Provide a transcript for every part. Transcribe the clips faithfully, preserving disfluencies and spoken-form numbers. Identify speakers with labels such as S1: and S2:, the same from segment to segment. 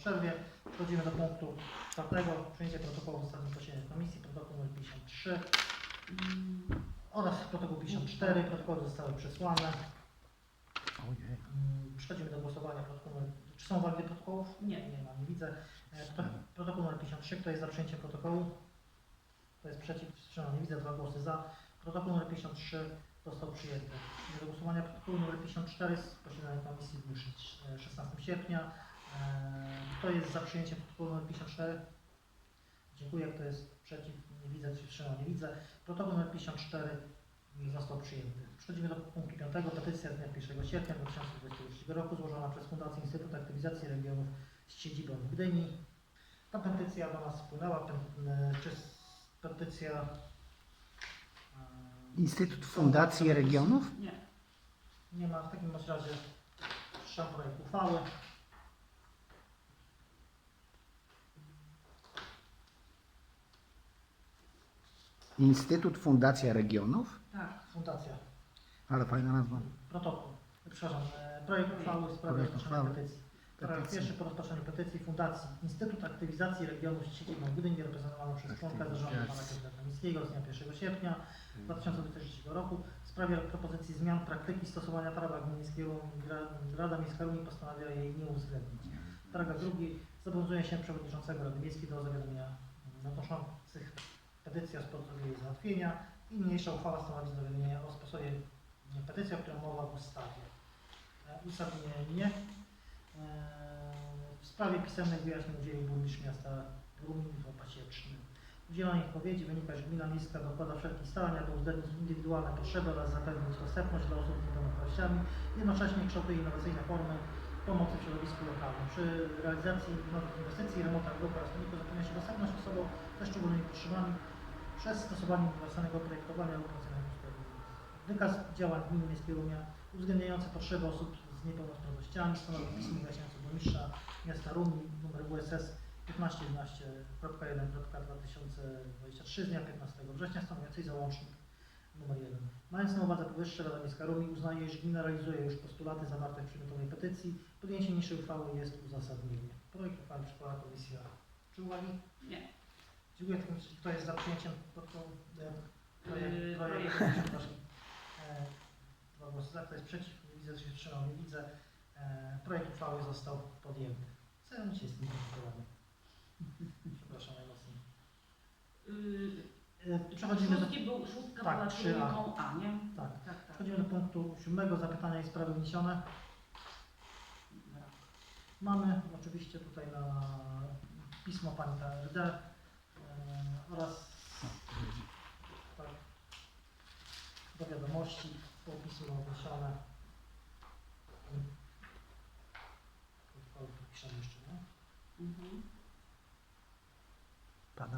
S1: przerwie. Przechodzimy do punktu czwartego. Przyjęcie protokołu z ostatnim posiedzenia komisji, protokół numer pięćdziesiąt trzy oraz protokół pięćdziesiąt cztery. Protokoły zostały przesłane.
S2: Ojej.
S1: Przechodzimy do głosowania. Protokół numer... Czy są uwagi do protokołów?
S3: Nie.
S1: Nie ma, nie widzę. Protokół numer pięćdziesiąt trzy. Kto jest za przyjęciem protokołu? Kto jest przeciw? Wstrzymał, nie widzę. Dwa głosy za. Protokół numer pięćdziesiąt trzy został przyjęty. Przechodzimy do głosowania protokołu numer pięćdziesiąt cztery z posiedzenia komisji w dniu szesnastego sierpnia. Kto jest za przyjęciem protokołu numer pięćdziesiąt cztery? Dziękuję. Kto jest przeciw? Nie widzę. Czy wstrzymał? Nie widzę. Protokół numer pięćdziesiąt cztery został przyjęty. Przechodzimy do punktu piątego. Petycja z dnia pierwszego sierpnia dwa tysiące dwudziestego trzeciego roku złożona przez Fundację Instytut Aktywizacji Regionów z siedzibą w Gdyni. Ta petycja do nas wpłynęła. Czy petycja...
S2: Instytut Fundacji Regionów?
S3: Nie.
S1: Nie ma. W takim razie trzeba projekt uchwały.
S2: Instytut Fundacja Regionów?
S3: Tak.
S1: Fundacja.
S2: Ale fajna nazwa.
S1: Protokół. Przepraszam. e, Projekt uchwały w sprawie
S2: Projekt
S1: rozpatrzenia
S2: uchwały.
S1: petycji. Paragraf
S2: Petycji.
S1: pierwszy. Po rozpatrzeniu petycji Fundacji Instytut Aktywizacji Regionów z siedzibą w Gdyni reprezentowaną przez członka zarządu pana Piotra Kamińskiego z dnia pierwszego sierpnia dwa tysiące dwudziestego trzeciego roku w sprawie propozycji zmian praktyki stosowania prawa gminnego Rada Miejska Rumi postanawia jej nie uwzględnić. Paragraf drugi. Zobowiązuje się przewodniczącego Rady Miejskiej do zawiadomienia nadnoszących petycję o sposobie jej załatwienia i niniejsza uchwała stanowi zawiadomienie o sposobie petycji, o którym mowa w ustawie. Uzasadnienie. W sprawie pisemnych wyjaśnień udzielił burmistrz miasta Rumin w Pasiecznym. Z udzielonej odpowiedzi wynika, że gmina miejska dokłada wszelkich starań, aby uwzględnić indywidualne potrzeby oraz zapewnić dostępność dla osób z niepełnosprawnościami, jednocześnie kształtuje innowacyjne formy pomocy w środowisku lokalnym. Przy realizacji nowych inwestycji, remontach dróg oraz rolników zapewnia się dostępność osobom ze szczególnymi potrzebami przez stosowanie uniwersalnego projektowania lub racjonalnego usprawiedliwienia. Wykaz działań gminy miejskiej Rumia uwzględniający potrzeby osób z niepełnosprawnościami stanowi pismo wyjaśniające burmistrza miasta Rumi numer W S S piętnaście jedenaście jeden dwa tysiące dwudziesty trzeci z dnia piętnastego września stanowiącej załącznik numer jeden. Mając na uwadze powyższe, Rada Miejska Rumi uznaje, że gmina realizuje już postulaty zawarte w przedmiotowej petycji. Podjęcie niższej uchwały jest uzasadnienie. Projekt uchwały przyjęła komisja. Czy uwagi?
S3: Nie.
S1: Dziękuję. Kto jest za przyjęciem protokołu? Projekt,
S3: Yy,
S1: projekt,
S3: projekt.
S1: przepraszam. E, Dwa głosy za. Kto jest przeciw? Nie widzę, że się wstrzymał. Nie widzę. E, projekt uchwały został podjęty. Zajmę się z tym protokołami. Przepraszam najmocniej.
S3: Yy,
S1: E, Przechodzimy do...
S3: szóstki był, szóstka
S1: Tak,
S3: była
S1: trzy A.
S3: trójką A, nie?
S1: Tak.
S3: Tak, tak.
S1: Przechodzimy do punktu siódmego. Zapytania i sprawy wniesione. Mamy oczywiście tutaj na pismo pani K R D e, oraz tak, do wiadomości było pismo wniesione. Piszemy jeszcze, nie?
S3: Mhm.
S2: Pada.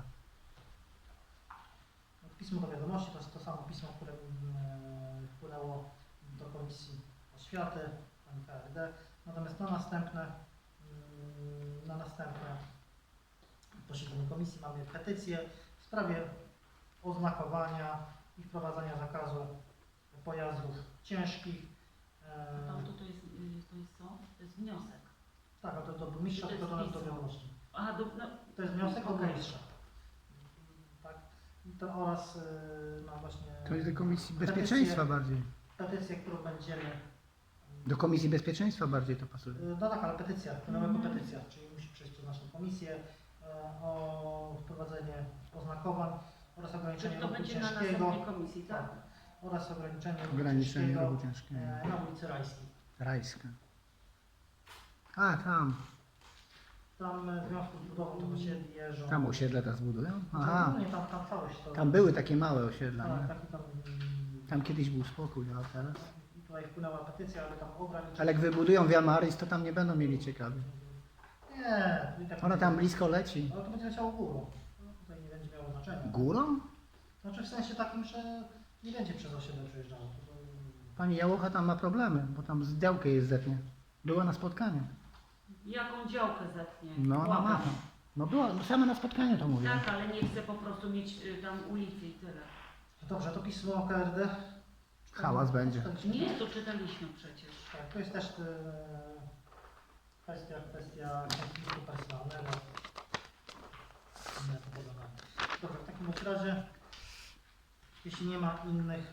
S1: Pismo do wiadomości to jest to samo pismo, które e, wpłynęło do Komisji Oświaty pani K R D. Natomiast na następne mm, na następne posiedzeniu komisji mamy petycję w sprawie oznakowania i wprowadzania zakazu pojazdów ciężkich. E,
S3: No to, to, jest, yy, to jest co? To jest wniosek.
S1: tak, a to do burmistrza,
S3: To jest
S1: tylko do nas do
S3: pismo.
S1: wiadomości.
S3: Aha, do, no,
S1: To jest wniosek do
S3: Okej.
S1: burmistrza. Tak. To oraz e, no właśnie
S2: To jest do Komisji Bezpieczeństwa bardziej.
S1: petycję, którą będziemy
S2: Do Komisji Bezpieczeństwa bardziej to pasuje.
S1: no tak, ale petycja, wpłynęła jako
S3: Mhm.
S1: petycja, czyli musi przejść przez naszą komisję e, o wprowadzenie oznakowań oraz ograniczenie
S3: czyli to
S1: ruchu
S3: będzie na
S1: ciężkiego
S3: następnej komisji, tak?
S1: tak, oraz ograniczenie ruchu
S2: Ograniczenie
S1: ciężkiego
S2: ruchu ciężkiego.
S1: e, na ulicy Rajskiej.
S2: Rajska. A, tam.
S1: Tam e, w związku z budową tego osiedli jeżdżą.
S2: Tam osiedle teraz budują? Aha.
S1: Nie, tam, tam całość to.
S2: Tam były takie małe osiedla,
S1: tak,
S2: nie?
S1: taki tam,
S2: Tam kiedyś był spokój, a teraz?
S1: i tutaj wpłynęła petycja, ale tam ograniczenie.
S2: Ale jak wybudują Wiamaris, to tam nie będą mieli ciekawie.
S1: Nie, i tak
S2: Ona tam blisko leci.
S1: ale to będzie leciało górą. No, tutaj nie będzie miało znaczenia.
S2: Górą?
S1: Znaczy w sensie takim, że nie będzie przez osiedle przejeżdżało. To, to,
S2: Pani Jałocha tam ma problemy, bo tam z działkę jest zetnie. Była na spotkaniu.
S3: Jaką działkę zetnie?
S2: No, ona ma
S3: Błagam.
S2: tam. No była, no same na spotkaniu to mówię.
S3: Tak, ale nie chcę po prostu mieć y, tam ulicy i tyle.
S1: Dobrze, to pismo K R D.
S2: Hałas będzie.
S3: Nie, to czytaliśmy przecież.
S1: Tak, to jest też e, Kwestia, kwestia konfliktu personalnego. Inne to podobne. Dobrze, w takim bądź razie, jeśli nie ma innych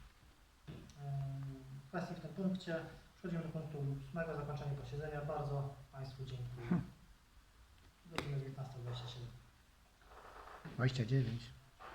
S1: em, kwestii w tym punkcie, przechodzimy do punktu ósmego, zakończenie posiedzenia. Bardzo Państwu dziękuję. Godzina dziewiętnasta dwadzieścia siedem.
S2: dwadzieścia dziewięć.